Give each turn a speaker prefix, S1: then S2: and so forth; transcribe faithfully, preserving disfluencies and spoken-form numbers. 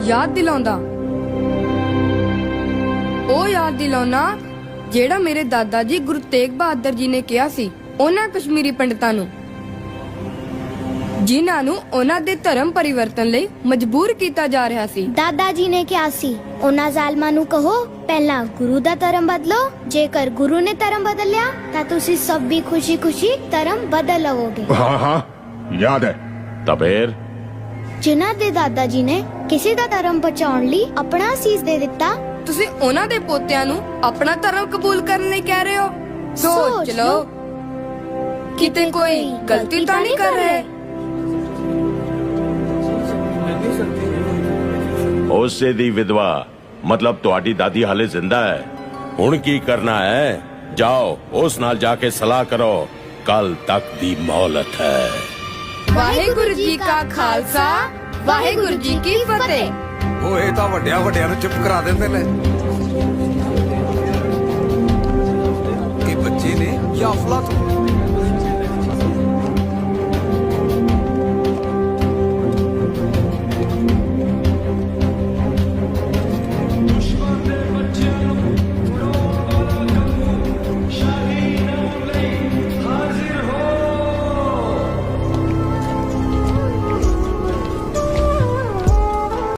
S1: याद दिलाउंदा ਉਹ याद दिलाउना ਜਿਹੜਾ ਮੇਰੇ ਦਾਦਾ ਜੀ ਗੁਰੂ ਤੇਗ ਬਹਾਦਰ ਜੀ ਨੇ ਕਿਹਾ ਸੀ ਉਹਨਾਂ ਕਸ਼ਮੀਰੀ ਪੰਡਤਾਂ ਨੂੰ, ਜਿਨ੍ਹਾਂ ਨੂੰ ਉਹਨਾਂ ਦੇ ਧਰਮ ਪਰਿਵਰਤਨ ਲਈ ਮਜਬੂਰ ਕੀਤਾ ਜਾ ਰਿਹਾ ਸੀ।
S2: ਦਾਦਾ ਜੀ ਨੇ ਕਿਹਾ ਸੀ ਉਹਨਾਂ ਜ਼ਾਲਮਾਂ ਨੂੰ ਕਹੋ ਪਹਿਲਾਂ ਗੁਰੂ ਦਾ ਧਰਮ ਬਦਲੋ, ਜੇਕਰ ਗੁਰੂ ਨੇ ਧਰਮ ਬਦਲਿਆ ਤਾਂ ਤੁਸੀਂ ਸਭ ਵੀ ਖੁਸ਼ੀ-ਖੁਸ਼ੀ ਧਰਮ ਬਦਲ ਲਵੋਗੇ।
S3: हाँ हाँ याद है।
S4: ਤਬੇਰ
S2: ਜਿਨ੍ਹਾਂ ਦੇ ਦਾਦਾ ਜੀ ਨੇ ਕਿਸੇ ਦਾ ਧਰਮ ਬਚਾਉਣ ਲਈ ਆਪਣਾ ਅਸੀਸ ਦੇ ਦਿੱਤਾ,
S1: ਤੁਸੀਂ ਉਹਨਾਂ ਦੇ ਪੋਤਿਆਂ ਨੂੰ ਆਪਣਾ ਧਰਮ ਕਬੂਲ ਕਰਨ ਲਈ ਕਹਿ ਰਹੇ ਹੋ? ਸੋਚ ਲਓ ਕਿਤੇ ਕੋਈ ਗਲਤੀ ਤਾਂ ਨਹੀਂ ਕਰ ਰਹੇ।
S4: ਉਸੇ ਦੀ ਵਿਧਵਾ ਮਤਲਬ ਤੁਹਾਡੀ ਦਾਦੀ ਹਾਲੇ ਜ਼ਿੰਦਾ ਹੈ। ਹੁਣ ਕੀ ਕਰਨਾ ਹੈ? ਜਾਓ ਉਸ ਨਾਲ ਜਾ ਕੇ ਸਲਾਹ ਕਰੋ, ਕੱਲ ਤੱਕ ਦੀ ਮੌਲਤ ਹੈ।
S1: ਵਾਹਿਗੁਰੂ ਜੀ ਕਾ ਖਾਲਸਾ, ਵਾਹਿਗੁਰੂ ਜੀ ਕੀ ਫਤਿਹ।
S5: ਉਹ ਇਹ ਤਾਂ ਵੱਡਿਆਂ ਵੱਡਿਆਂ ਨੂੰ ਚੁੱਪ ਕਰਾ ਦਿੰਦੇ ਨੇ। ਇਹ ਬੱਚੇ ਨੇ ਜਾਂ ਅਫਲਾਤੂਨ?